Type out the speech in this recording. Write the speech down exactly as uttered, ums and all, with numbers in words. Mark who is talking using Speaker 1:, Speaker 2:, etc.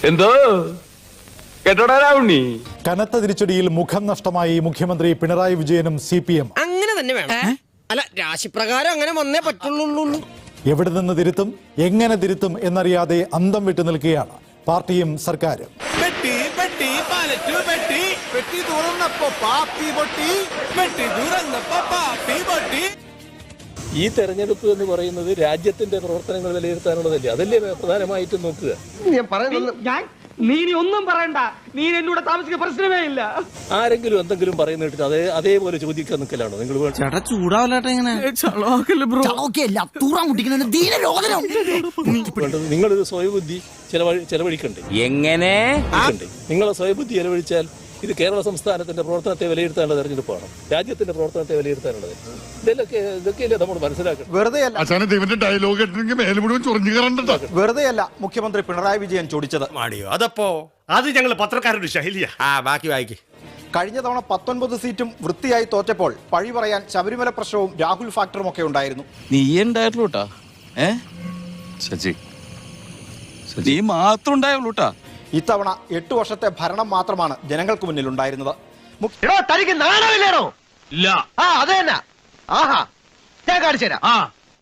Speaker 1: എന്തോ കേട്ടോടാ ഉണ്ണി.
Speaker 2: കനത്ത തിരിച്ചടിയിൽ മുഖം നഷ്ടമായി മുഖ്യമന്ത്രി പിണറായി വിജയനും സി പി എം.
Speaker 3: അങ്ങനെ തന്നെ വേണം. അല്ല, രാശിപ്രകാരം അങ്ങനെ വന്നേ പറ്റുള്ളൂ.
Speaker 2: എവിടെ നിന്ന് തിരുത്തും, എങ്ങനെ തിരുത്തും എന്നറിയാതെ അന്തം വിട്ടു നിൽക്കുകയാണ് പാർട്ടിയും സർക്കാരും.
Speaker 4: ഈ തെരഞ്ഞെടുപ്പ് എന്ന് പറയുന്നത് രാജ്യത്തിന്റെ പ്രവർത്തനങ്ങൾ വിലയിരുത്താനുള്ളതല്ലേ? അതല്ലേ പ്രധാനമായിട്ടും നോക്കുക.
Speaker 5: നീ ഒന്നും പറയണ്ട, നീ എന്നോട് താമസിക്കുന്ന പ്രശ്നമേ ഇല്ല.
Speaker 4: ആരെങ്കിലും എന്തെങ്കിലും പറയുന്ന കേട്ടിട്ട് അതേ അതേപോലെ ചോദിക്കാൻ നിൽക്കലാണോ നിങ്ങൾ? നിങ്ങളൊരു സ്വയബുദ്ധി ചെലവഴി ചെലവഴിക്കണ്ടേ?
Speaker 1: എങ്ങനെ
Speaker 4: നിങ്ങളെ സ്വയബുദ്ധി ചെലവഴിച്ചാൽ ഇത് കേരള സംസ്ഥാനത്തിന്റെ പ്രവർത്തനത്തെ വിലയിരുത്താനുള്ള തെരഞ്ഞെടുപ്പാണ്, രാജ്യത്തിന്റെ പ്രവർത്തനത്തെ വിലയിരുത്താനുള്ളത്. ഇതൊക്കെ ഇതൊക്കെയല്ലേ നമ്മൾ മനസ്സിലാക്കണം.
Speaker 6: വെറുതെയല്ല മുഖ്യമന്ത്രി പിണറായി വിജയൻ ചൊടിച്ചത്.
Speaker 7: അതപ്പോ അത് ഞങ്ങൾ പത്രക്കാരുടെ ശൈലിയാ. ആ ബാക്കി വായിക്ക്.
Speaker 6: കഴിഞ്ഞ തവണ പത്തൊൻപത് സീറ്റും വൃത്തിയായി തോറ്റപ്പോൾ പഴി പറയാൻ ശബരിമല പ്രശ്നവും രാഹുൽ ഫാക്ടറും ഒക്കെ ഉണ്ടായിരുന്നു.
Speaker 8: നീ ഉണ്ടായിട്ടുള്ളൂട്ടാ. ഏ ശശി നീ മാത്രം ഉണ്ടായുള്ളൂട്ടാ.
Speaker 6: ഇത്തവണ എട്ടു വർഷത്തെ ഭരണം മാത്രമാണ് ജനങ്ങൾക്ക് മുന്നിൽ ഉണ്ടായിരുന്നത്.
Speaker 5: തനിക്ക് നാണമില്ലേണോ? ഇല്ല. ആ അത് തന്നെ. ആഹാ, ഞാൻ കാണിച്ചു തരാം.